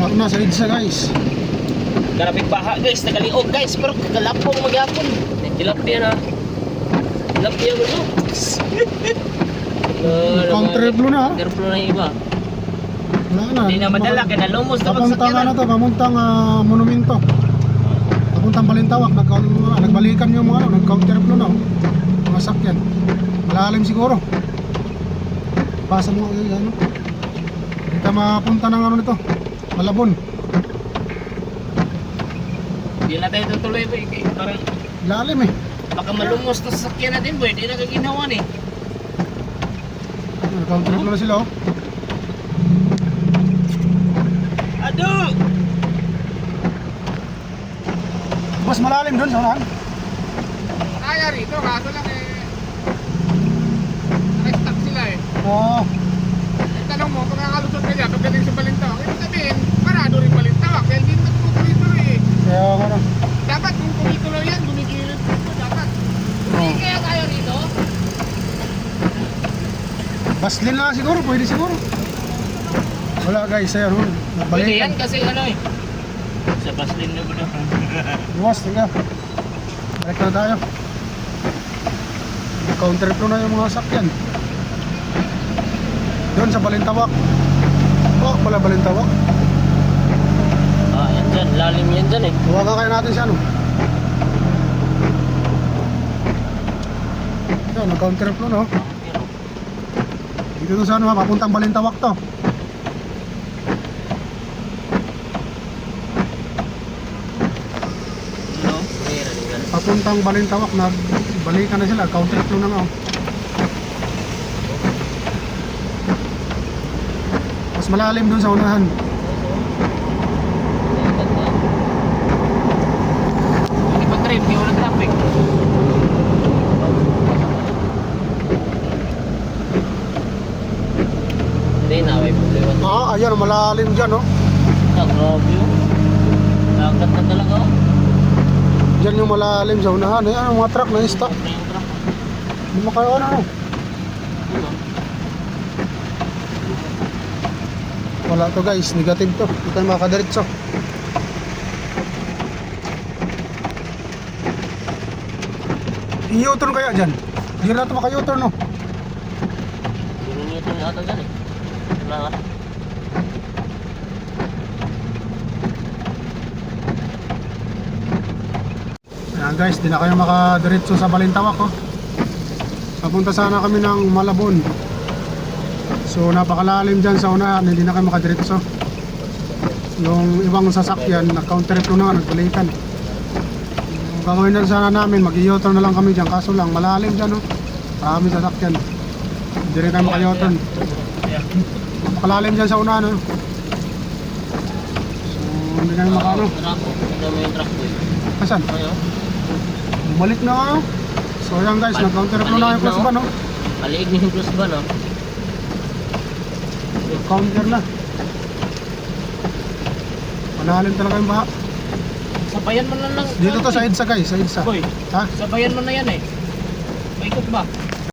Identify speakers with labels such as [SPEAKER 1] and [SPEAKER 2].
[SPEAKER 1] na sa EDSA guys.
[SPEAKER 2] Karapit baha guys, nagaliog guys, pero kagalapong magyapon. Tilapia na. Tilapia mo no.
[SPEAKER 1] Counter blue na.
[SPEAKER 2] Counter blue na yung iba.
[SPEAKER 1] Wala na.
[SPEAKER 2] Hindi na madala, kaya nalumos na
[SPEAKER 1] Papuntang ano to, papuntang monumento. Papuntang Balintawak, nagbalikan yung mga nag-counter flow na. Mga sakyan. Malalim siguro. Pasa mo ano. Hindi ka mapunta ng ano nito. Malabon.
[SPEAKER 2] Hindi na tayo tutuloy boy, parang
[SPEAKER 1] Lalim eh.
[SPEAKER 2] baka malumos na sasakyan natin boy, hindi na kaginawa eh.
[SPEAKER 1] Nag-counter flow na sila oh.
[SPEAKER 2] Ado!
[SPEAKER 1] Mas malalim doon sa unahan.
[SPEAKER 3] Kaya rito, kaso lang nag-stuck sila
[SPEAKER 1] Oo.
[SPEAKER 3] Tanong mo, kung kakalusot ka dyan, pagdating sa Balintawak, ibig sabihin, parado rin Balintawak, kaya hindi nagtutuloy-tuloy
[SPEAKER 1] Kaya ano.
[SPEAKER 3] Dapat kung kumituloy yan, gumigilid dito, dapat.
[SPEAKER 1] Oo.
[SPEAKER 3] Kaya tayo rito?
[SPEAKER 1] Baslin na siguro, pwede siguro. Wala guys, ayan oh.
[SPEAKER 2] Pwede yan
[SPEAKER 1] Nagbalikan.
[SPEAKER 2] kasi ano eh. Sa baslin na ba na?
[SPEAKER 1] Buwas, tingnan. Balik na tayo. Counter flow na yung mga sakyan. Doon sa Balintawak. Oh, pala Balintawak.
[SPEAKER 2] Ah, yan dyan. Lalim yan dyan eh.
[SPEAKER 1] Huwagan kaya natin siya, no? Ito, nag-counter flow, no? Dito to sa ano, papuntang Balintawak to.
[SPEAKER 2] No? Meron yan.
[SPEAKER 1] Papuntang Balintawak, nagbalikan na sila. Counter flow na nga, oh. Mas malalim doon sa unahan.
[SPEAKER 2] Hindi pa trip, hindi wala traffic. Hindi na, may problema.
[SPEAKER 1] Ayan, malalim dyan, oh.
[SPEAKER 2] Ah, grabe yun. Lagat na talaga oh.
[SPEAKER 1] Dyan yung malalim sa unahan. Ayan, mga truck na stop.
[SPEAKER 2] Ano yung truck?
[SPEAKER 1] Hindi makayo, ano.
[SPEAKER 2] Ano?
[SPEAKER 1] Wala to guys, negative to. Hindi tayo makakadiretso. I-U-turn kaya dyan? Hindi na ito maka-U-turn, no?
[SPEAKER 2] Hindi niya ito ata dyan eh. Wala nga.
[SPEAKER 1] Ayan guys, di na kayo makadiretso sa Balintawak, oh. Papunta sana kami ng Malabon. So napakalalim dyan sa unahan, hindi na kayo makadiretso. Yung ibang sasakyan, nag-counter flow na nga, nagbalikan. Yung gagawin na sana namin, mag-i-U-turn na lang kami dyan. Kaso lang, malalim dyan, oh. Marami sasakyan. Hindi rin tayo maka-U-turn. Napakalalim dyan sa unahan, oh. So hindi na maka-ano.
[SPEAKER 2] Tignan mo yung truck boy.
[SPEAKER 1] Asan?
[SPEAKER 2] Ayaw.
[SPEAKER 1] Bumalik na nga, oh. So ayan guys, nag-counter flow na yung plus ban, oh.
[SPEAKER 2] Maliig na yung plus ba no?
[SPEAKER 1] Counter na. Malalim talaga yung baha.
[SPEAKER 2] Sabayan mo na lang.
[SPEAKER 1] Dito to sa EDSA guys, sa EDSA.
[SPEAKER 2] Boy,
[SPEAKER 1] Ha?
[SPEAKER 2] sabayan mo na yan eh. Paikot ba?